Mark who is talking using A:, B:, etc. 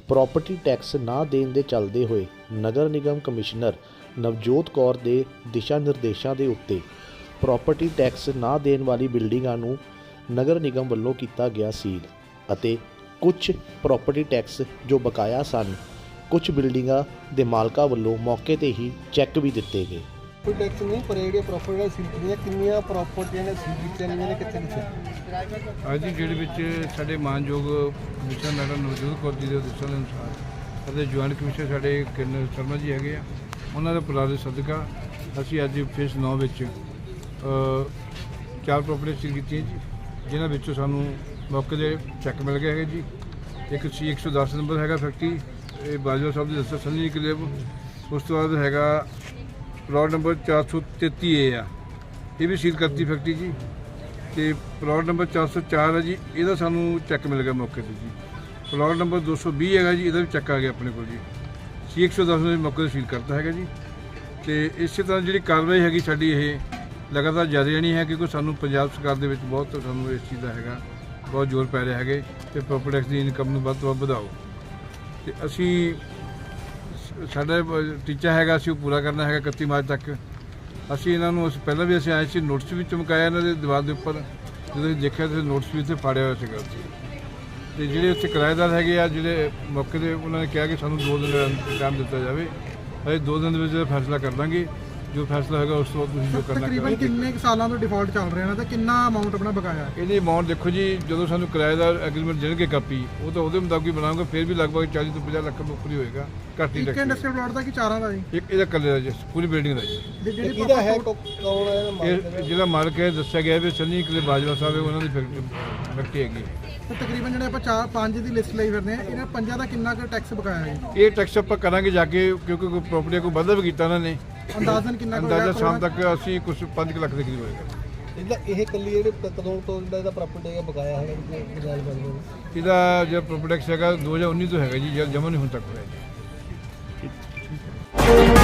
A: Property tax ਨਾ ਦੇਣ ਦੇ ਚੱਲਦੇ ਹੋਏ ਨਗਰ ਨਿਗਮ ਕਮਿਸ਼ਨਰ ਨਵਜੋਤ ਕੌਰ ਦੇ ਦਿਸ਼ਾ ਨਿਰਦੇਸ਼ਾਂ ਦੇ ਉੱਤੇ ਪ੍ਰੋਪਰਟੀ ਟੈਕਸ ਨਾ ਦੇਣ ਵਾਲੀ ਬਿਲਡਿੰਗਾਂ ਨੂੰ ਨਗਰ ਨਿਗਮ ਵੱਲੋਂ ਕੀਤਾ ਗਿਆ ਸੀਲ ਅਤੇ ਕੁਝ ਪ੍ਰੋਪਰਟੀ ਟੈਕਸ ਜੋ ਬਕਾਇਆ ਸਨ ਕੁਝ ਬਿਲਡਿੰਗਾਂ ਦੇ ਮਾਲਕਾਂ ਵੱਲੋਂ ਮੌਕੇ ਤੇ ਹੀ ਚੈੱਕ ਵੀ ਦਿੱਤੇ ਗਏ।
B: ਕੋਈ ਟੈਕਸ ਨਹੀਂ ਪਰ ਜਿਹੜੀਆਂ ਪ੍ਰੋਪਰਟੀਆਂ ਸੀਲ ਕੀਤੀਆਂ ਕਿੰਨੀਆਂ ਪ੍ਰੋਪਰਟੀਆਂ ਨੇ ਸੀਲ ਕੀਤੀਆਂ ਨੇ ਕਿੱਥੇ ਕਿੱਥੇ
C: ਅੱਜ ਦੀ ਡੇਟ ਵਿੱਚ ਸਾਡੇ ਮਾਨਯੋਗ ਕਮਿਸ਼ਨਰ ਮੈਡਮ ਨਵਜੋਤ ਕੌਰ ਜੀ ਦੇ ਦਿਸ਼ਾ ਅਨੁਸਾਰ ਅਤੇ ਜੁਆਇੰਟ ਕਮਿਸ਼ਨਰ ਸਾਡੇ ਕਿਰਨ ਸ਼ਰਮਾ ਜੀ ਹੈਗੇ ਆ, ਉਹਨਾਂ ਦੇ ਪੁਰਾਣੇ ਸਦਕਾ ਅਸੀਂ ਅੱਜ ਫੇਸ 9 ਵਿੱਚ 4 ਪ੍ਰੋਪਰਟੀਆਂ ਸੀਲ ਕੀਤੀਆਂ ਜੀ, ਜਿਨ੍ਹਾਂ ਵਿੱਚੋਂ ਸਾਨੂੰ ਮੌਕੇ ਦੇ ਚੈੱਕ ਮਿਲ ਗਏ ਹੈਗੇ ਜੀ। ਇੱਕ ਸੀ 110 ਨੰਬਰ ਹੈਗਾ ਫੈਕਟਰੀ, ਇਹ ਬਾਜਵਾ ਸਾਹਿਬ ਦੇ ਦੱਸਿਆ ਸੰਨੀ ਕਲੇਬ। ਉਸ ਤੋਂ ਬਾਅਦ ਹੈਗਾ ਪਲਾਟ ਨੰਬਰ 433 ਏ ਆ, ਇਹ ਵੀ ਸੀਲ ਕਰਤੀ ਫੈਕਟਰੀ ਜੀ। ਅਤੇ ਪਲਾਟ ਨੰਬਰ 404 ਹੈ ਜੀ, ਇਹਦਾ ਸਾਨੂੰ ਚੈੱਕ ਮਿਲ ਗਿਆ ਮੌਕੇ 'ਤੇ ਜੀ। ਪਲਾਟ ਨੰਬਰ 220 ਹੈਗਾ ਜੀ, ਇਹਦਾ ਵੀ ਚੈੱਕ ਆ ਗਿਆ ਆਪਣੇ ਕੋਲ ਜੀ। ਸੀ 110 ਨੇ ਮੌਕੇ 'ਤੇ ਸੀਲ ਕਰਤਾ ਹੈਗਾ ਜੀ। ਅਤੇ ਇਸੇ ਤਰ੍ਹਾਂ ਜਿਹੜੀ ਕਾਰਵਾਈ ਹੈਗੀ ਸਾਡੀ ਇਹ ਲਗਾਤਾਰ ਜਾਰੀ ਰਹਿਣੀ ਹੈ, ਕਿਉਂਕਿ ਸਾਨੂੰ ਪੰਜਾਬ ਸਰਕਾਰ ਦੇ ਵਿੱਚ ਬਹੁਤ ਸਾਨੂੰ ਇਸ ਚੀਜ਼ ਦਾ ਹੈਗਾ ਬਹੁਤ ਜ਼ੋਰ ਪੈ ਰਿਹਾ ਹੈਗੇ ਅਤੇ ਪ੍ਰੋਪਰਟੀ ਟੈਕਸ ਦੀ ਇਨਕਮ ਨੂੰ ਵੱਧ ਤੋਂ ਵੱਧ ਵਧਾਓ। ਅਤੇ ਅਸੀਂ ਸਾਡਾ ਟੀਚਾ ਹੈਗਾ ਅਸੀਂ ਉਹ ਪੂਰਾ ਕਰਨਾ ਹੈਗਾ 31 ਮਾਰਚ ਤੱਕ। ਅਸੀਂ ਇਹਨਾਂ ਨੂੰ ਪਹਿਲਾਂ ਵੀ ਅਸੀਂ ਆਏ ਸੀ, ਨੋਟਿਸ ਵੀ ਚਮਕਾਇਆ ਇਹਨਾਂ ਦੇ ਦੀਵਾਰ ਦੇ ਉੱਪਰ, ਜਦੋਂ ਅਸੀਂ ਦੇਖਿਆ ਤਾਂ ਨੋਟਿਸ ਵੀ ਇੱਥੇ ਫਾੜਿਆ ਹੋਇਆ ਸੀਗਾ ਉੱਥੇ। ਅਤੇ ਜਿਹੜੇ ਉੱਥੇ ਕਿਰਾਏਦਾਰ ਹੈਗੇ ਆ ਜਿਹੜੇ ਮੌਕੇ 'ਤੇ ਉਹਨਾਂ ਨੇ ਕਿਹਾ ਕਿ ਸਾਨੂੰ 2 ਦਿਨ ਦਾ ਟਾਈਮ ਦਿੱਤਾ ਜਾਵੇ, ਅਸੀਂ 2 ਦਿਨ ਦੇ ਵਿੱਚ ਫੈਸਲਾ ਕਰ ਦਾਂਗੇ। ਜੋ ਫੈਸਲਾ ਹੋਏਗਾ ਉਸ ਤੋਂ ਬਾਅਦ ਤੁਸੀਂ ਜੋ ਕਰਨਾ
B: ਤਕਰੀਬਨ ਕਿੰਨੇ ਸਾਲਾਂ ਤੋਂ ਡਿਫਾਲਟ ਚੱਲ ਰਿਹਾ ਨਾ ਤੇ ਕਿੰਨਾ ਅਮਾਊਂਟ ਆਪਣਾ ਬਕਾਇਆ?
C: ਇਹਦੀ ਅਮਾਊਂਟ ਦੇਖੋ ਜੀ, ਜਦੋਂ ਸਾਨੂੰ ਕਿਰਾਏਦਾਰ ਐਗਰੀਮੈਂਟ ਦੇਣਗੇ ਕਾਪੀ, ਉਹ ਤਾਂ ਉਹਦੇ ਮੁਤਾਬਕ ਹੀ ਬਣਾਉਂਗਾ, ਫਿਰ ਵੀ ਲਗਭਗ 40 ਤੋਂ 50 ਲੱਖ ਰੁਪਏ ਹੋਏਗਾ। ਘੱਟ ਹੀ
B: ਇੱਕ ਇੰਡਸਟਰੀਅਲ ਪਲਾਟ ਦਾ ਕਿ ਚਾਰਾਂ ਦਾ ਜੀ?
C: ਇੱਕ ਇਹਦਾ ਇਕੱਲੇ ਦਾ ਜੀ, ਪੂਰੀ ਬਿਲਡਿੰਗ ਦਾ ਜੀ।
B: ਕਿਹਦਾ ਹੈ ਕੌਣ ਹੈ
C: ਇਹ ਜਿਹੜਾ ਮਾਲਕ ਹੈ ਦੱਸਿਆ ਗਿਆ ਵੀ ਸੰਨੀ ਕਲੇ ਬਾਜਵਾ ਸਾਹਿਬ ਹੈ, ਉਹਨਾਂ ਦੀ ਫੈਕਟਰੀ ਹੈਗੀ।
B: ਤੇ ਤਕਰੀਬਨ ਜਿਹੜੇ ਆਪਾਂ 4-5 ਦੀ ਲਿਸਟ ਲਈ ਫਿਰਦੇ ਆ, ਇਹਨਾਂ 5 ਦਾ ਕਿੰਨਾ ਕੁ ਟੈਕਸ ਬਕਾਇਆ ਹੈ?
C: ਇਹ ਟੈਕਸ ਆਪਾਂ ਕਰਾਂਗੇ ਜਾ ਕੇ, ਕਿਉਂਕਿ ਕੋਈ ਪ੍ਰੋਪਰਟੀ ਕੋਈ ਵਾਧਾ ਵੀ ਕੀਤਾ ਉਹਨਾਂ ਨੇ।
B: ਅੰਦਾਜ਼ਨ ਕਿੰਨਾ ਕੁ
C: ਅੰਦਾਜ਼ਾ ਸ਼ਾਮ ਤੱਕ ਅਸੀਂ ਕੁਝ 5 ਲੱਖ ਦੇ ਕਰੀਬ ਹੋਏਗਾ।
B: ਇਹ ਕੱਲੀ ਜਿਹੜੇ ਕਦੋਂ ਤੋਂ ਜਿਹੜਾ ਇਹਦਾ ਪ੍ਰੋਪਰਟੀ ਹੈਗਾ ਬਕਾਇਆ ਹੈਗਾ
C: ਇਹਦਾ ਜਿਹੜਾ ਪ੍ਰੋਪਰਟੀ ਟੈਕਸ ਹੈਗਾ 2019 ਤੋਂ ਹੈਗਾ ਜੀ, ਜਦ ਜਮ੍ਹਾਂ ਨਹੀਂ ਹੁਣ ਤੱਕ ਹੋਇਆ ਜੀ।